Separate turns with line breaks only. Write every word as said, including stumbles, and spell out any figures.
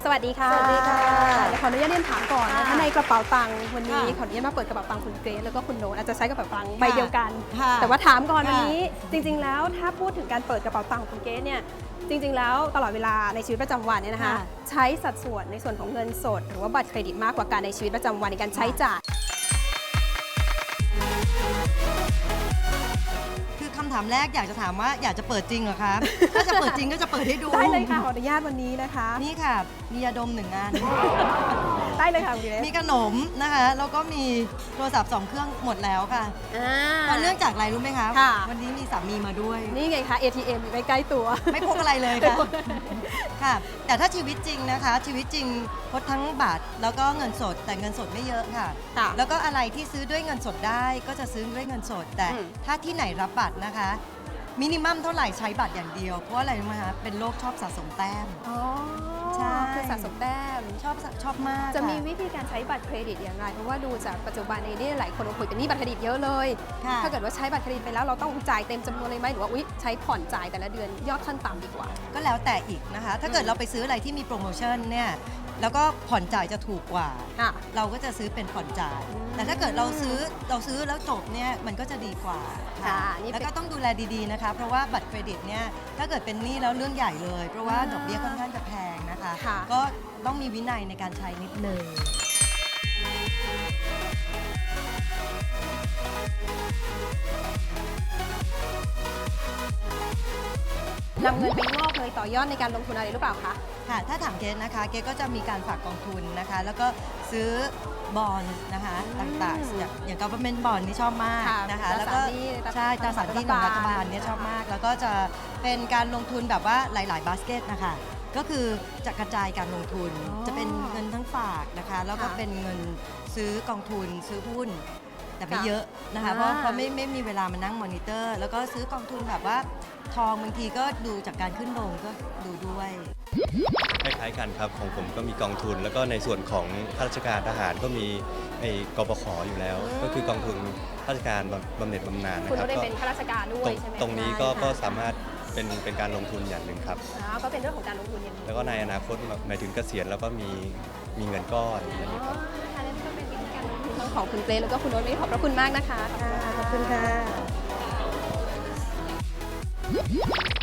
สวัสดีค่ะ
สวัสดีค่ะ
เดี๋ยวขออนุญาตเรียนถามก่อนนะ
ค่ะ
ถ้าในกระเป๋าตังค์วันนี้
ค่ะ
ขออนุญาตมาเปิดกระเป๋าตังค์คุณเกรซแล้วก็คุณโน้ตอาจจะใช้กระเป๋าตังค์ใบเดียวกัน
ค่ะ
แต่ว่าถามก่อน
ค่ะ
วันนี้จริง ๆ แล้วถ้าพูดถึงการเปิดกระเป๋าตังค์ของคุณเกรซเนี่ยจริง ๆ แล้วตลอดเวลาในชีวิตประจำวันเนี่ยนะคะ
ค่ะ
ใช้สัดส่วนในส่วนของเงินสด หรือว่าบัตรเครดิตมากกว่าการในชีวิตประจำวันในการใช้จ่าย
คือคำถามแรกอยากจะถามว่าอยากจะเปิดจริงเหรอคะ ถ้าจะเปิดจริงก็จะเปิดให้ดู
ได้เลยค่ะขออนุญาตวันนี้นะคะ
นี่ค่ะ มียาดมหนึ่งอัน
ได้เลยค่ะคุณเกรซ
มีขนมนะคะ แล้วก็มีโทรศัพท์สองเครื่องหมดแล้วค่ะ
อ่า
เพราะเนื่องจากอะไรรู้ไหมคะ
ค่ะ
วันนี้มีสามีมาด้วย
นี่ไงคะ เอ ที เอ็ม อยู่ใกล้ๆตัว
ไม่พกอะไรเลยค่ะ ค่ะ แต่ถ้าชีวิตจริงนะคะ ชีวิตจริงพดทั้งบัตรแล้วก็เงินสด แต่เงินสดไม่เยอะค่ะ
ค่ะ
แล้วก็อะไรที่ซื้อด้วยเงินสดได้ก็จะซื้อด้วยเงินสด แต่
อืม
ถ้าที่ไหนรับบัตรนะคะ มินิมัมเท่าไหร่ใช้บัตรอย่างเดียว เพราะอะไรรู้ไหมคะ เป็นโรคชอบสะสมแต้ม
อ๋อ
ใช่
คือสะสมแต้ม
ชอบชอบมาก
จะมี
ค่
วิธีการใช้บัตรเครดิตอย่างไร เพราะว่าดูจากปัจจุบันในนี้หลายคนโอ้โหเป็นหนี้บัตรเครดิตเยอะเลย
ค่ะ
ถ้าเกิดว่าใช้บัตรเครดิตไปแล้วเราต้องจ่ายเต็มจำนวนเลยไหมหรือว่าอุ๊ยใช้ผ่อนจ่ายแต่ละเดือนยอดขั้นต่ำดีกว่า
ก็แล้วแต่อีกนะคะ ถ้าเกิดเราไปซื้ออะไรที่มีโปรโมชั่นเนี่ย แล้วก็ผ่อนจ่ายจะถูกกว่า
ค่ะ
เราก็จะซื้อเป็นผ่อนจ่าย
อืม
แต่ถ้าเกิดเราซื้อเราซื้อแล้วจบเนี่ยมันก็จะดีกว่า
ค่ะนี่เป็น
แล้วก็ต้องดูแลดีๆนะคะ เพราะว่าบัตรเครดิตเนี่ยถ้าเกิดเป็นหนี้แล้วเรื่องใหญ่เลย เพราะว่า
อ่า
ดอกเบี้ยค่อนข้างจะแพงนะคะ
ค่ะ
ก็ต้องมีวินัยในการใช้นิดนึง
นำเงินไปงอกเงยต่อยอดในการลงทุนอะไรหรือเปล่าคะ
ค่ะ ถ้าถามเกณนะคะ เกณก็จะมีการฝากกองทุนนะคะ แล้วก็ซื้อบอลนะคะ
อืม
ต่างๆ อย่างอย่าง government bond นี่ชอบมาก
ค่ะ
นะคะ
ตรา
แล้วก็
สารหนี้
ใช่ตราสารหนี้ของรัฐบาลเนี่ย
ค่ะ
ชอบมาก แล้วก็จะเป็นการลงทุนแบบว่าหลาย ๆ บาสเกตนะคะ ก็คือจะกระจายการลงทุน
อ๋อ
จะเป็นเงินทั้งฝากนะคะ แล้วก็
ค่ะ
เป็นเงินซื้อกองทุนซื้อหุ้น แต่ไม่
ค่ะ
เยอะนะคะ
อ่า
เพราะเพราะไม่ไม่มีเวลามานั่งมอนิเตอร์ แล้วก็ซื้อกองทุนแบบว่าทองบางทีก็ดูจากการขึ้นลงก็ดูด้วย
คล้ายๆกันครับของผมก็มีกองทุน แล้วก็ในส่วนของข้าราชการทหารก็มีไอ้กปขอยู่แล้ว
อืม
ก็คือกองทุนข้าราชการบำบำเหน็จบำนาญนะ
คุณ
ครั
ก็
บ
ได้
ก็
เป็นข้าราชการด้ว
ต
ย
รง
ใช่ไหม
ตรงนี้ก็
ใช่ค่ะ
ก็สามารถเป็นเป็นการลงทุนอย่างหนึ่งครับ
อ๋อก็เป็นเรื่องของการลงทุนอย่างหนี้
แล้วก็ในอนาคตหมายถึงเกษียณแล้วก็มีมีเงินก้อนอย่างนี้ครับ
ค่ะนั่นก็เป็นวิธีการลงทุนทั้งของคุณเกรซแล้วก็คุณโน้ตไม่ขอบพระคุณมากนะคะ
ขอบคุณค่ะ